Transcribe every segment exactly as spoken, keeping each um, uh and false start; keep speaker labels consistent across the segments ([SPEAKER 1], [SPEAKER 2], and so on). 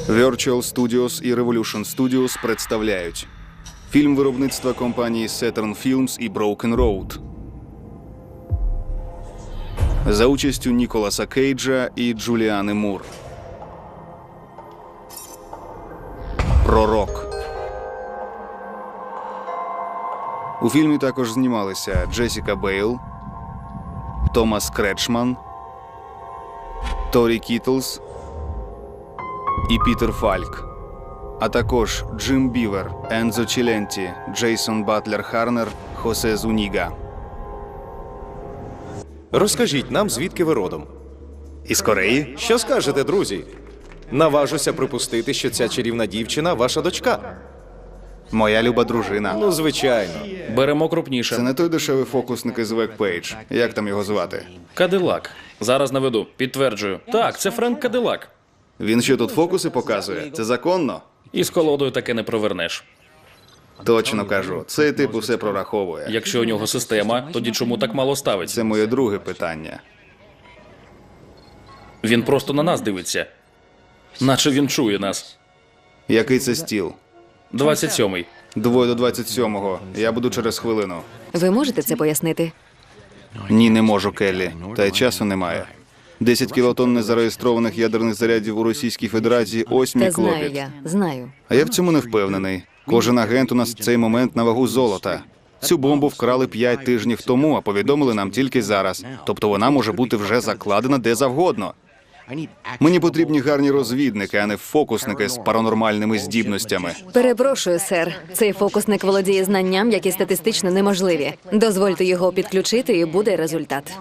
[SPEAKER 1] Virtual Studios і Revolution Studios представляють фільм виробництва компанії Saturn Films і Broken Road за участю Ніколаса Кейджа і Джуліани Мур. Пророк. У фільмі також знімалися Джесіка Бейл, Томас Кречман, Торі Кітлс і Пітер Фальк, а також Джим Бівер, Ензо Челенті, Джейсон Батлер Харнер, Хосе Зуніга.
[SPEAKER 2] Розкажіть нам, звідки ви родом.
[SPEAKER 1] Із Кореї?
[SPEAKER 2] Що скажете, друзі? Наважуся припустити, що ця чарівна дівчина – ваша дочка.
[SPEAKER 1] Моя люба дружина.
[SPEAKER 2] Ну, звичайно.
[SPEAKER 3] Беремо
[SPEAKER 1] Це
[SPEAKER 3] крупніше.
[SPEAKER 1] не той дешевий фокусник із Векпейдж. Як там його звати?
[SPEAKER 3] Кадилак. Зараз наведу. Підтверджую. Так, це Френк Кадилак.
[SPEAKER 1] Він що тут фокуси показує? Це законно?
[SPEAKER 3] І з колодою таке не провернеш.
[SPEAKER 1] Точно кажу. Цей тип усе прораховує.
[SPEAKER 3] Якщо у нього система, тоді чому так мало ставиться?
[SPEAKER 1] Це моє друге питання.
[SPEAKER 3] Він просто на нас дивиться. Наче він чує нас.
[SPEAKER 1] Який це стіл?
[SPEAKER 3] двадцять сьомий.
[SPEAKER 1] Двоє до двадцять сьомого. Я буду через хвилину.
[SPEAKER 4] Ви можете це пояснити?
[SPEAKER 1] Ні, не можу, Келлі. Та й часу немає. десять кілотонн незареєстрованих ядерних зарядів у Російській Федерації – ось мій
[SPEAKER 4] Та знаю
[SPEAKER 1] клопіт.
[SPEAKER 4] я, знаю.
[SPEAKER 1] А я в цьому не впевнений. Кожен агент у нас в цей момент на вагу золота. Цю бомбу вкрали п'ять тижнів тому, а повідомили нам тільки зараз. Тобто вона може бути вже закладена де завгодно. Мені потрібні гарні розвідники, а не фокусники з паранормальними здібностями.
[SPEAKER 4] Перепрошую, сер. Цей фокусник володіє знанням, які статистично неможливі. Дозвольте його підключити, і буде результат.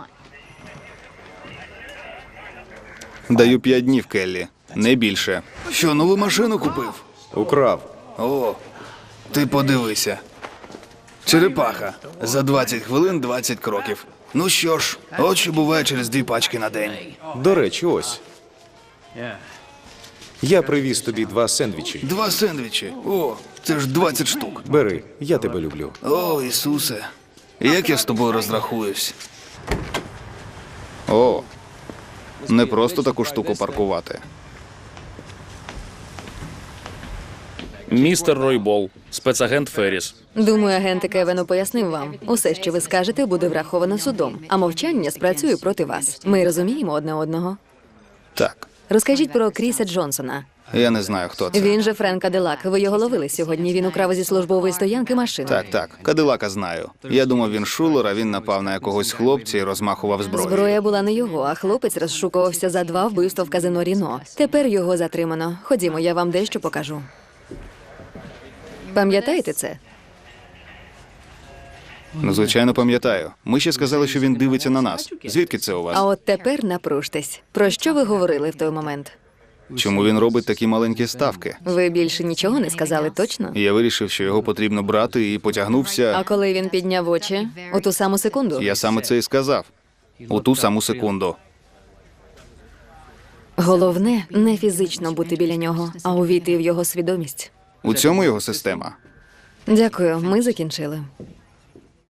[SPEAKER 1] Даю п'ять днів, Келлі. Не більше. Що, нову машину купив?
[SPEAKER 2] Украв.
[SPEAKER 1] О, ти подивися. Черепаха. За двадцять хвилин двадцять кроків. Ну що ж, от що буває через дві пачки на день.
[SPEAKER 2] До речі, ось. Я привіз тобі два сендвічі.
[SPEAKER 1] Два сендвічі. О, це ж двадцять штук.
[SPEAKER 2] Бери, я тебе люблю.
[SPEAKER 1] О, Ісусе. Як я з тобою розрахуюсь? О, не просто таку штуку паркувати.
[SPEAKER 3] Містер Ройбол. Спецагент Ферріс.
[SPEAKER 4] Думаю, агент Кевену пояснив вам. Усе, що ви скажете, буде враховано судом, а мовчання спрацює проти вас. Ми розуміємо одне одного.
[SPEAKER 1] Так,
[SPEAKER 4] Розкажіть про Кріса Джонсона.
[SPEAKER 1] я не знаю, хто це.
[SPEAKER 4] Він же Френк Кадилак. Ви його ловили сьогодні. Він украв зі службової стоянки машину.
[SPEAKER 1] Так, так, Кадилака знаю. Я думав, він шулер, а він напав на якогось хлопця і розмахував зброєю.
[SPEAKER 4] Зброя була не його, а хлопець розшукувався за два вбивства в казино Ріно. Тепер його затримано. Ходімо, я вам дещо покажу. Пам'ятаєте це?
[SPEAKER 1] Ну, звичайно, пам'ятаю. Ми ще сказали, що він дивиться на нас. Звідки це у вас?
[SPEAKER 4] А от тепер напруштесь. Про що ви говорили в той момент?
[SPEAKER 1] Чому він робить такі маленькі ставки?
[SPEAKER 4] Ви більше нічого не сказали, точно?
[SPEAKER 1] Я вирішив, що його потрібно брати, і потягнувся.
[SPEAKER 4] А коли він підняв очі? У ту саму секунду?
[SPEAKER 1] Я саме це і сказав. У ту саму секунду.
[SPEAKER 4] Головне, не фізично бути біля нього, а увійти в його свідомість.
[SPEAKER 1] У цьому його система.
[SPEAKER 4] Дякую, ми закінчили.